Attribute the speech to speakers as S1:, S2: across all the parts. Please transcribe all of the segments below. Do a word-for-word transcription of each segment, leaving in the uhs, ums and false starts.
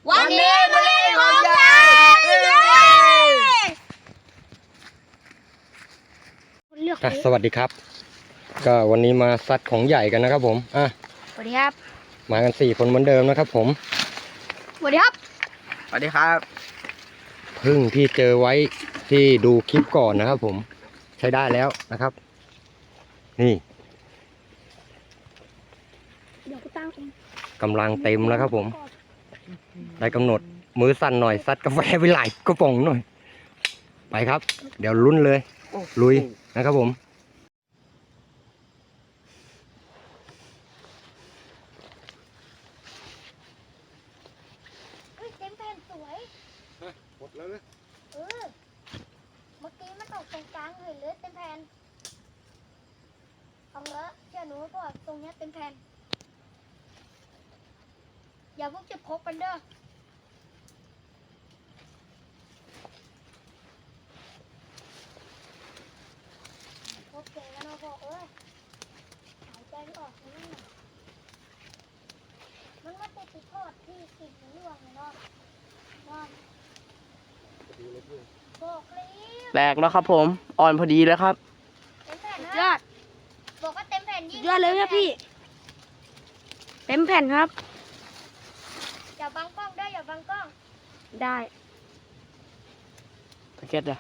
S1: วันนี้มาเล่นของใหญ่
S2: สวัสดีครับก็วันนี้มาซัดของใหญ่กันนะครับผมอ่ะ
S1: สวัสดีครับ
S2: มากันสี่คนเหมือนเดิมนะครับผม
S1: สวัสดีครับ
S3: สวัสดีครับ
S2: พึ่งที่เจอไว้ที่ดูคลิปก่อนนะครับผมใช้ได้แล้วนะครับนี่กำลังเต็มแล้วครับผมได้กำหนดมือสั่นหน่อยซัดกาแฟไปหลายกระป๋องหน่อยไปครับเดี๋ยวลุ้นเลยลุยนะครับผม
S1: เต็มแผ่นสวย
S2: หมดแล้ว
S1: เออเมื่อกี้มันตกตรงกลางเลยเลยเต็มแผ่นเอาละเชื่อหนูก็ตรงนี้เต็มแผ่นอย่าพวกจะพกกันเด้อพกเก่งกันเนาะพ่อเอ้ยหายใจไม่ออกนี่มันมาติดติดทอดที่ติดหรือว่าไงเนาะว่าบอกเลย
S3: แตกแล้วครับผมอ่อนพอดีแล้วครับ
S1: เต็มแผ่นยอดบอกว่าเต็มแผ่นยิ่ง
S4: ยอดเลยครับพี่เต็มแผ่นครับ
S1: อย่าบังกล้องด้วยอย่าบังกล้อง
S4: ได้
S3: ตะเก็ดอะ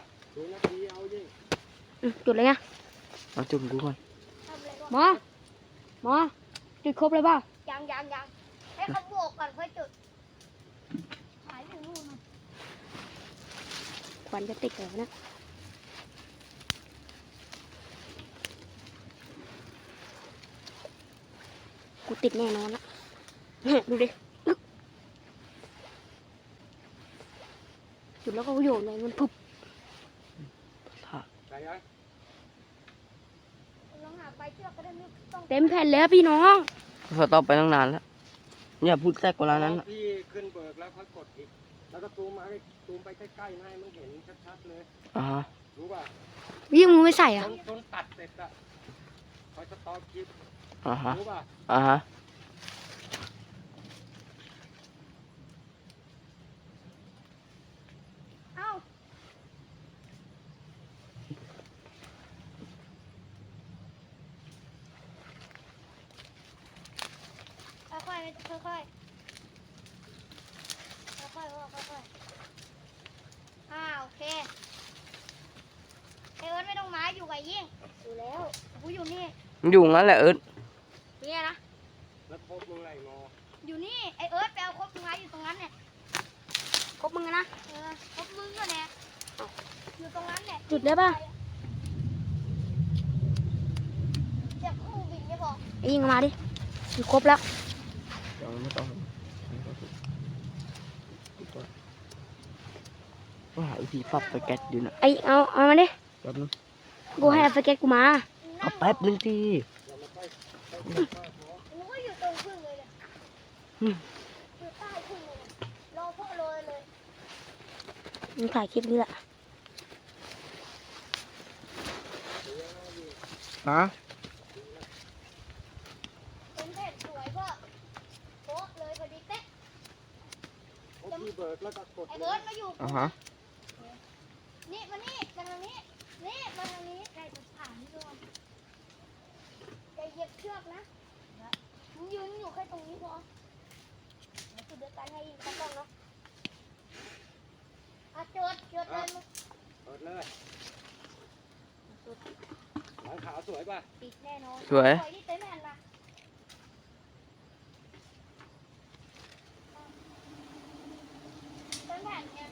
S4: จุดเลยไง
S3: เอาจุ่มกูก่อน
S4: หมอหมอจุดครบเลยเปล่า
S1: ยังยังยังให้เขาบวกก่อนค่อยจุดหายอยู่นู่น
S4: ควันจะติดเหรอนะกูติดแน่นอนละดูดิจุดแล้วก็โยนเลยมันพุบเต็มแผ่นแล้วพี่น้อง
S3: พอต่อไปตั้งนานแล้วเนี่ยพูดแทรกกว่านั้นนะ
S2: พี่ขึ้นเบิกแล้วค่อยกดอีกแล้วก็ซูมมาซูมไปใกล้ๆให้มันเห็นชัดๆเลย
S3: อ่าฮะ
S2: รู้ป่ะ
S4: วิ่งมือไม่ใส่อ่ะ
S2: จนตัดเสร็จอ่ะคอยสต็อปคลิป
S3: อ่าฮะ
S2: รู้ป่ะ
S3: อ่าฮะ
S1: เอ้าค่อยๆค่อยๆค่อยๆค่อยๆอ่าโอเคไอเอิร์ธไม่ต้องมาอยู่กับยิ่งอยู่แล้วกูอยู่นี่
S3: มันอยู่งั้นแหละเอิร์ธ
S1: เนี่ยนะ
S2: แล้วพบมึงไรงอ
S1: อยู่นี่ไอเอิร์ธไปเอาครบมึงไว้อยู่ตรงนั้นเนี่ย
S4: ครบมึงนะ
S1: เออครบมึงก็เนี่ยอยู่ตรงนั้นเนี่ย
S4: จุดได้ป่ะ
S1: เจ็บคู่บินไม่พอ
S4: ไอ้ยิงมาดิอยู่ครบแล้ว
S3: ยังไม่ต้องว่าหาวิธีปรับสเก็ตอยู่นะ
S4: ไอ้เอาเอามาดิ
S3: แป๊บนึง
S4: กูให้สเก็ตกูมา
S3: เอาแป๊บนึงที
S1: กูก็อยู่ตรงพึ่งเลยเนี่ยอยู่ใต้พึ่งเลยรอพ่อโรยเลย
S4: มึงถ่ายคลิปนี้แหละ
S3: ฮะ
S1: เป็นแผ่นสวยพ่อโป๊ะเลยพอดีเป๊ะ
S2: พี่เบิกแล้วก็กด
S1: ไอเบิร์ดมาอยู่
S3: อ่าฮะ
S1: นี่มานี่มาทางนี้นี่มาทางนี้ได้จะผ่านนี่ด้วยอย่าเหยียบเชือกนะมึงยืนอยู่แค่ตรงนี้พอเดี๋ยวจุดเดียวกันให้อีกตั้งกล้องเนาะอ่ะจดจดเลยมึง
S2: เปิดเลยหลังขาวสวยป่ะ
S1: ปิดแน่นอน
S3: สวย
S1: สวยที่เต็มแผ่นละเต็มแผ่นเนี่ย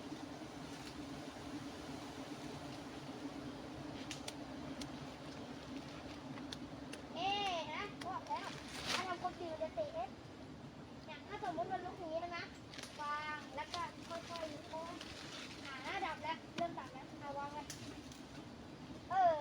S1: เอ๊ะนะบอกแล้วถ้าทำคนดีจะเตะเอ๊ะอย่างถ้าสมมติมันลุกอย่างนี้นะนะวางแล้วก็ค่อยๆโค้งหาหน้าดับแล้วเริ่มดับแล้วเอาวางกันเออ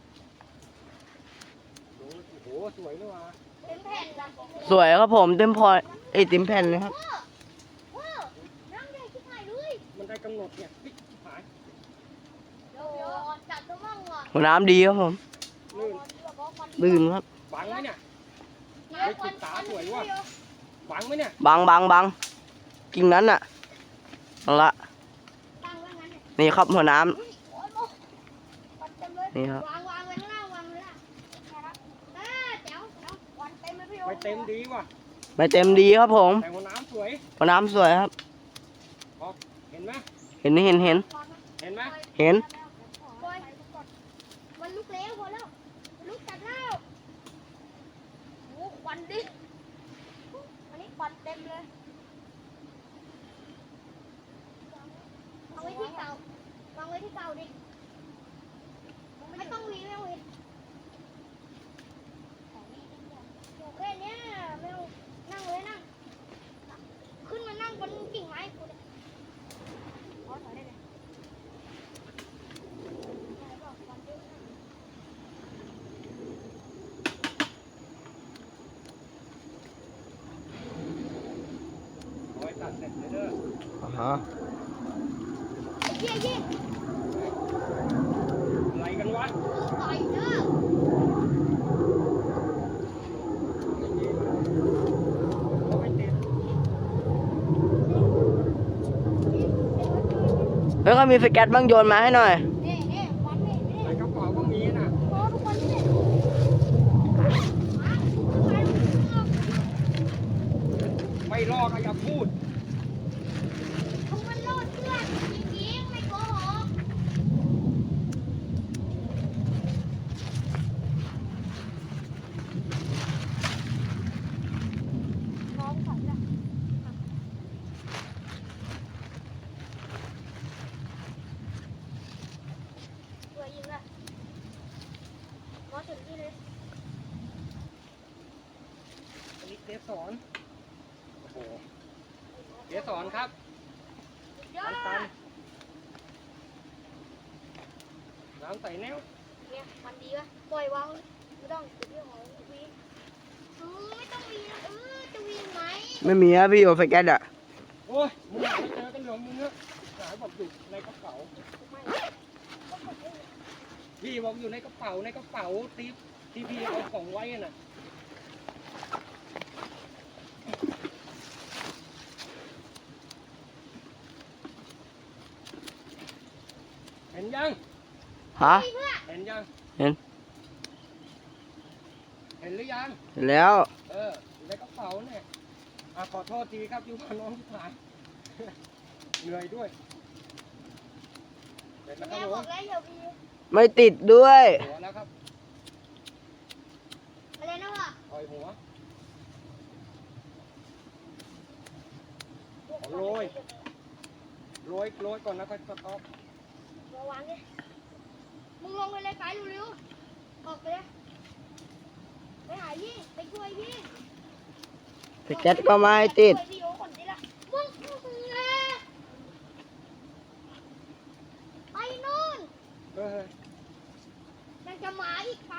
S2: โอ้โหสวยเลยว่ะ
S1: เต็มแผ่นละ
S3: สวยครับผมเต็มพอไอ้เต็มแผ่นเลยครับ
S1: ว้าวน้ำใหญ่ชิบหายเลย
S2: มันได้กำหนดเนี่ยปิ๊กหาย
S1: เดี๋ยวจับตัวมั่งว่ะ
S3: หัวน้ำดีครับผมดื่มครับ
S2: บังไหมเนี่ยไอ้ติดตาสวยว่ะบังไหมเนี่ย
S3: บังบังบังกิ่งนั้นน่ะเอาละ
S1: ตั้งไว้งั้นเนี่ย
S3: นี่ครับหัวน้ำ
S1: อุ้ยโอ้ยโอ้ควันเต็มเลย
S3: นี่ครับ
S1: วางวางไว้ข้างล่างวางเลยล่ะนะครับอ่าแจ๋วแจ๋วควันเต็มเลยพี่โอ๊
S5: ไม่
S1: ค
S5: เต็มดีว่ะ
S3: ไม่เต็มดีครับผม
S5: แต่หัวน้ำสวย
S3: หัวน้ำสวยครับ
S5: เห็นไหม
S3: เห็นเห็นเห็น
S1: วางนะ
S5: เห็นไหม
S3: เห็น
S1: ปล่อยมันลุกแล้วพอแล้วมันลุกจัดแล้วโอ้ควันดิอันนี้ควันเต็มเลยวางไว้ที่เก่าวางไว้ที่เก่าดิไม่ต้องหวีไม่ต้องหวีอยู่แค่เนี้ยไม่ต้องนั่งเลยนั่งขึ้นมานั่งบนกิ่งไม้กูเนี่ยขอถอยได้เลย
S5: โอ้ยตัดเสร็จเลยเด้อ
S3: อ่าฮะ
S1: เยี่ยเยี่ย
S5: อะไรกันวะ
S1: ต่อยเด้อ
S5: ก็ไม่ติด
S3: แล้วก็มีสเก็ตบ้างโยนมาให้หน่อย
S1: นี่นี่วันนี่นี่
S5: ในกระเป๋าก็มีน่ะ
S1: โอ้ทุกคนนี่
S5: ไม่รอดก็อย่าพูด
S1: ทุกคนโลดเพื่อนจริงๆไม่โกหกน้องใส่ละตัวยิงละน้องถึงที่เลย
S5: อันนี้เจ๊สอนโอ้โหเจ๊สอนครับ
S1: ยอ
S5: ตั
S1: ด
S5: นตันน้ำใส่แนว
S1: เนี่ยมันดีป่ะปล่อยวางเลยไม่ต้องติดเรื่องของวีเออไม่ต้องวีนะเออจะวีไหม
S3: ไม่มีครับพี่โอสเก็ตอ่ะ
S5: โอ้ยมึงหาไม่เจอกันเหรอมึงเนอะหาบอกอยู่ในกระเป๋า
S1: ไม่
S5: พี่บอกอยู่ในกระเป๋าในกระเป๋าที่ที่พี่เอาของไว้น่ะเห็นยัง
S3: ฮะ
S1: เพื่อ
S5: เห็นยัง
S3: เห็น
S5: เห็นหรือยัง
S3: เห็นแล้ว
S5: เอออยู่ในกระเป๋าเนี่ยอ่ะขอโทษทีครับอยู่กับน้องที่ผ่าน เหนื่อยด้วยเสร็จแล้วค
S1: แม่
S5: รับผ
S1: บอ
S5: ม
S1: กแล้วอย่าวี
S3: ไม่ติดด้วย
S5: หัวแล้วครับ
S1: อะไรนะวะ
S5: ปล่อยหัว โรย โรยโรยก่อนนะค่อยสต๊อป
S1: มาวางเนี่ยมึงลงไปเลยไปเร็วๆออกไปเลยไปหาพี่ไปช่วยพี่
S3: สเก็ตก็ไม่ติด
S1: ไปช่วยพี่โอ้คนนี้ละมึงเอ้ยไปนู่น
S5: เออ
S1: ยังจะหมาอีกไป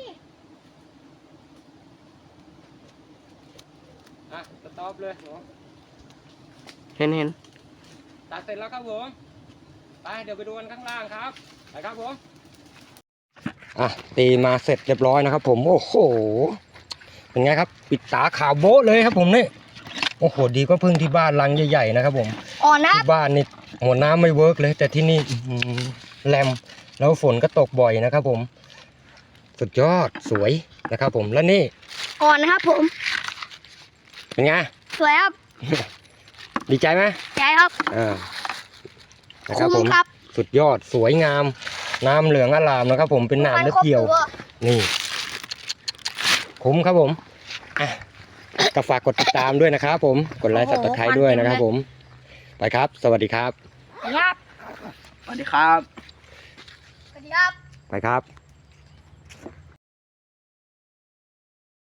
S5: อ่ะสต๊อปเลยหัว
S3: เห็นเห็น
S5: ตัดเสร็จแล้วครับผมไปเดี๋ยวไปดูกันข้างล่างครับไปครับผม
S2: อ่ะตีมาเสร็จเรียบร้อยนะครับ ผมโอ้โหเป็นไงครับ ปิดตาขาวโบ๊ะเลยครับผมนี่โอ้โหดีกว่าพึ่งที่บ้านรังใหญ่ๆนะครับผม
S1: อ่อนนะ
S2: ที่บ้านนี่หัวน้ำไม่เวิร์กเลย แต่ที่นี่อื้อหือแรมแล้วฝนก็ตกบ่อยนะครับ ผม สุดยอดสวยนะครับ ผมแล้วนี่
S1: อ่อนนะครับผม
S2: เป็นไง
S1: สวยครับ
S2: ดีใจไหม
S1: ใจครับ
S2: อ่านะครับผม
S1: คุ้มครับ
S2: สุดยอดสวยงาม น้ำเหลืองอลามนะครับ ผมเป็นหนามเล็บเกี่ยว นี่คุ้มครับผมอ่ะก็ฝากกดติดตามด้วยนะครับผมกดไลค์สับสไครต์ด้วยนะครับ ผม ไปครับ สวัสดีครับ
S1: ครับ
S3: สวัสดีครับ
S1: สวัสดีครับ
S2: ไปครับ